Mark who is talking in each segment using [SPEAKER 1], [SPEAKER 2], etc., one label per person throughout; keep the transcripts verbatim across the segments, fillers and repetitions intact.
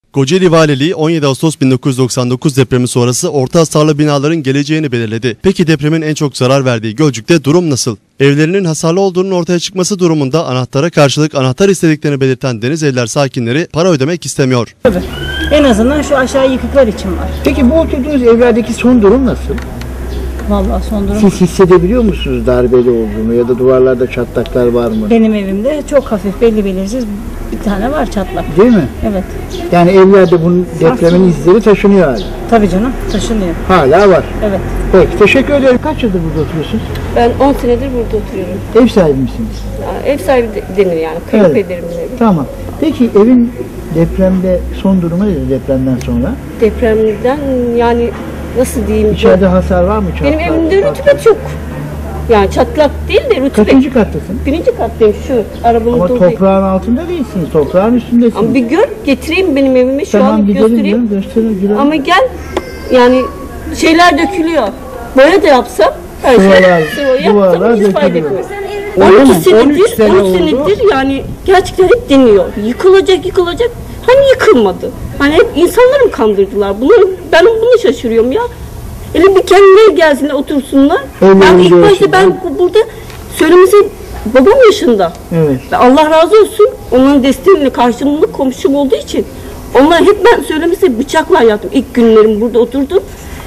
[SPEAKER 1] Kocaeli Valiliği on yedi Ağustos bin dokuz yüz doksan dokuz depremi sonrası orta hasarlı binaların geleceğini belirledi. Peki depremin en çok zarar verdiği Gölcük'te durum nasıl? Evlerinin hasarlı olduğunun ortaya çıkması durumunda anahtara karşılık anahtar istediklerini belirten Denizevler sakinleri para ödemek istemiyor.
[SPEAKER 2] Tabii. En azından şu aşağı yıkıklar için var.
[SPEAKER 3] Peki bu oturduğunuz evlerdeki son durum nasıl?
[SPEAKER 2] Vallahi son durum.
[SPEAKER 3] Siz hissedebiliyor musunuz darbeli olduğunu ya da duvarlarda çatlaklar var mı?
[SPEAKER 2] Benim evimde çok hafif belli belirsiz bir tane var çatlak.
[SPEAKER 3] Değil mi?
[SPEAKER 2] Evet.
[SPEAKER 3] Yani evlerde bunun depremin izleri taşınıyor hala.
[SPEAKER 2] Tabii canım, taşınıyor.
[SPEAKER 3] Hala var.
[SPEAKER 2] Evet.
[SPEAKER 3] Peki teşekkür ederim. Kaç yıldır burada oturuyorsunuz?
[SPEAKER 4] Ben on senedir burada oturuyorum.
[SPEAKER 3] Ev sahibi misiniz?
[SPEAKER 4] Ya, ev sahibi de- denir yani. Kayınpederimin evi.
[SPEAKER 3] Tamam. Peki evin depremde son durumu nedir depremden sonra?
[SPEAKER 4] Depremden yani nasıl diyeyim?
[SPEAKER 3] İçeride hasar var mı? Çatlak,
[SPEAKER 4] Benim evimde
[SPEAKER 3] çatlak.
[SPEAKER 4] rutubet yok. Yani çatlak değil de rutubet.
[SPEAKER 3] Kaçıncı kattasın?
[SPEAKER 4] Birinci kattayım şu. Arabanın
[SPEAKER 3] Ama
[SPEAKER 4] olduğu-
[SPEAKER 3] toprağın altında değilsiniz. Toprağın üstündesiniz.
[SPEAKER 4] Ama bir gör getireyim benim evimi şu
[SPEAKER 3] Tamam
[SPEAKER 4] an
[SPEAKER 3] gidelim
[SPEAKER 4] göstereyim.
[SPEAKER 3] ya. Gösterin. Girelim.
[SPEAKER 4] Ama gel yani şeyler dökülüyor. Boya da yapsam her şey
[SPEAKER 3] Duvarlar-
[SPEAKER 4] sıvı
[SPEAKER 3] duvarlar
[SPEAKER 4] yapsam hiç fayda
[SPEAKER 3] dökülüyor.
[SPEAKER 4] etmez.
[SPEAKER 3] Öyle
[SPEAKER 4] on
[SPEAKER 3] mi?
[SPEAKER 4] iki
[SPEAKER 3] on üç
[SPEAKER 4] senedir,
[SPEAKER 3] sene
[SPEAKER 4] on
[SPEAKER 3] oldu.
[SPEAKER 4] senedir yani gerçekten hep deniyor. Yıkılacak yıkılacak. Hani yıkılmadı. Hani hep insanları mı kandırdılar? Bunu, ben bunu şaşırıyorum ya. Hele bir kendileri gelsinler otursunlar.
[SPEAKER 3] Evlerinde
[SPEAKER 4] Ben ilk başta
[SPEAKER 3] yaşıyorlar.
[SPEAKER 4] ben bu- burada söylemesi babam yaşında.
[SPEAKER 3] Evet.
[SPEAKER 4] Ve Allah razı olsun onların desteğiyle karşımlık komşum olduğu için onlar hep ben söylemesi bıçakla yattım. İlk günlerim burada oturdum.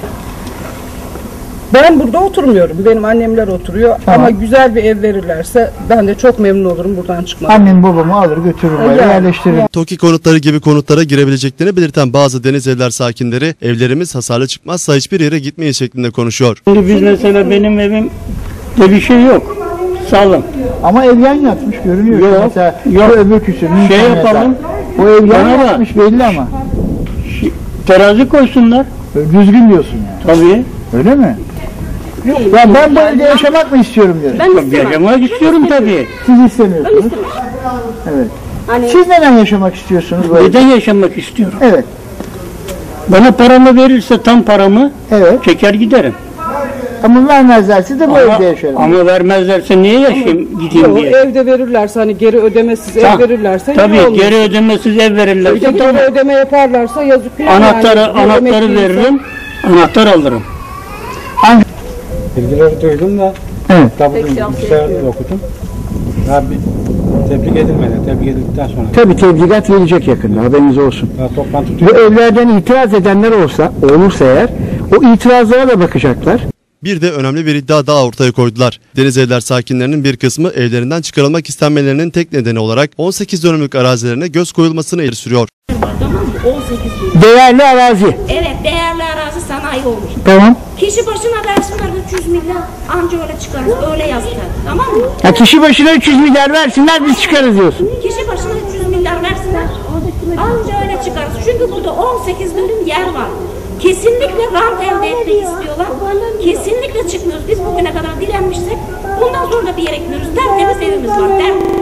[SPEAKER 5] Ben burada oturmuyorum. Benim annemler oturuyor.
[SPEAKER 3] Tamam.
[SPEAKER 5] Ama güzel bir ev verirlerse ben de çok memnun olurum buradan çıkmak.
[SPEAKER 3] Annem babamı alır götürür buraya
[SPEAKER 5] Yani,
[SPEAKER 3] yerleştiririm.
[SPEAKER 1] TOKİ konutları gibi konutlara girebileceklerini belirten bazı Denizevler sakinleri evlerimiz hasarlı çıkmazsa hiçbir yere gitmeyiz şeklinde konuşuyor.
[SPEAKER 6] Şimdi biz mesela benim evimde bir şey yok. Sağlam.
[SPEAKER 3] Ama ev yan yatmış görünüyor.
[SPEAKER 6] Yok,
[SPEAKER 3] Mesela
[SPEAKER 6] yok.
[SPEAKER 3] o öbür küsür.
[SPEAKER 6] Şey
[SPEAKER 3] Nisan
[SPEAKER 6] yapalım.
[SPEAKER 3] yatar. O ev yan
[SPEAKER 6] Bana bak.
[SPEAKER 3] yatmış belli ama.
[SPEAKER 6] Terazi koysunlar.
[SPEAKER 3] Düzgün diyorsun yani.
[SPEAKER 6] Tabii.
[SPEAKER 3] Öyle mi? Ya ben bu evde yaşamak mı istiyorum diyorum.
[SPEAKER 4] Ben
[SPEAKER 6] Tabii
[SPEAKER 4] istemem.
[SPEAKER 6] yaşamak istiyorum tabii.
[SPEAKER 3] Siz istemiyorsunuz. Evet.
[SPEAKER 4] Hani
[SPEAKER 3] Siz neden yaşamak istiyorsunuz bu evde?
[SPEAKER 6] Neden yaşamak istiyorum?
[SPEAKER 3] Evet.
[SPEAKER 6] Bana paramı verirse tam paramı
[SPEAKER 3] Evet.
[SPEAKER 6] çeker giderim.
[SPEAKER 3] Ama vermezlerse de bu
[SPEAKER 6] Ama,
[SPEAKER 3] evde yaşarım.
[SPEAKER 6] ama vermezlerse niye yaşayayım gideyim
[SPEAKER 5] Yok,
[SPEAKER 6] diye.
[SPEAKER 5] evde verirlerse hani geri ödemesiz
[SPEAKER 6] Ta-
[SPEAKER 5] ev verirlerse
[SPEAKER 6] Tabii
[SPEAKER 5] iyi olur.
[SPEAKER 6] geri ödemesiz ev
[SPEAKER 5] Bir de
[SPEAKER 6] verirlerse
[SPEAKER 5] geri
[SPEAKER 6] tamam.
[SPEAKER 5] ödeme yaparlarsa yazık günah
[SPEAKER 6] Anahtarı,
[SPEAKER 5] yani. Bir
[SPEAKER 6] anahtarı
[SPEAKER 5] emekli
[SPEAKER 6] veririm. Anahtar alırım.
[SPEAKER 7] Bilgileri duydum da
[SPEAKER 3] Evet.
[SPEAKER 7] tabii
[SPEAKER 4] Pek cevap
[SPEAKER 7] bilgisayarda
[SPEAKER 4] vermiyor.
[SPEAKER 7] okudum. Daha bir tebrik edilmedi. Tebrik edildikten sonra.
[SPEAKER 3] Tabii tebligat gelecek yakında haberiniz olsun.
[SPEAKER 7] Daha toplantı
[SPEAKER 3] Bu evlerden itiraz edenler olsa, olursa eğer o itirazlara da bakacaklar.
[SPEAKER 1] Bir de önemli bir iddia daha ortaya koydular. Denizevler sakinlerinin bir kısmı evlerinden çıkarılmak istenmelerinin tek nedeni olarak on sekiz dönümlük arazilerine göz koyulmasını ileri sürüyor.
[SPEAKER 8] on sekiz bin.
[SPEAKER 3] Değerli arazi.
[SPEAKER 8] Evet, değerli arazi sanayi olur.
[SPEAKER 3] Tamam.
[SPEAKER 8] Kişi başına versinler üç yüz milyar, anca öyle çıkarız, öyle yazdılar. Tamam mı?
[SPEAKER 3] Ya kişi başına üç yüz milyar versinler biz çıkarız diyorsun.
[SPEAKER 8] Kişi başına üç yüz milyar versinler, anca öyle çıkarız. Çünkü burada on sekiz dönüm yer var. Kesinlikle rant elde etmek istiyorlar. Kesinlikle çıkmıyoruz. Biz bugüne kadar direnmişsek bundan sonra da bir yere gidiyoruz. Tertemiz evimiz var. Tertemiz.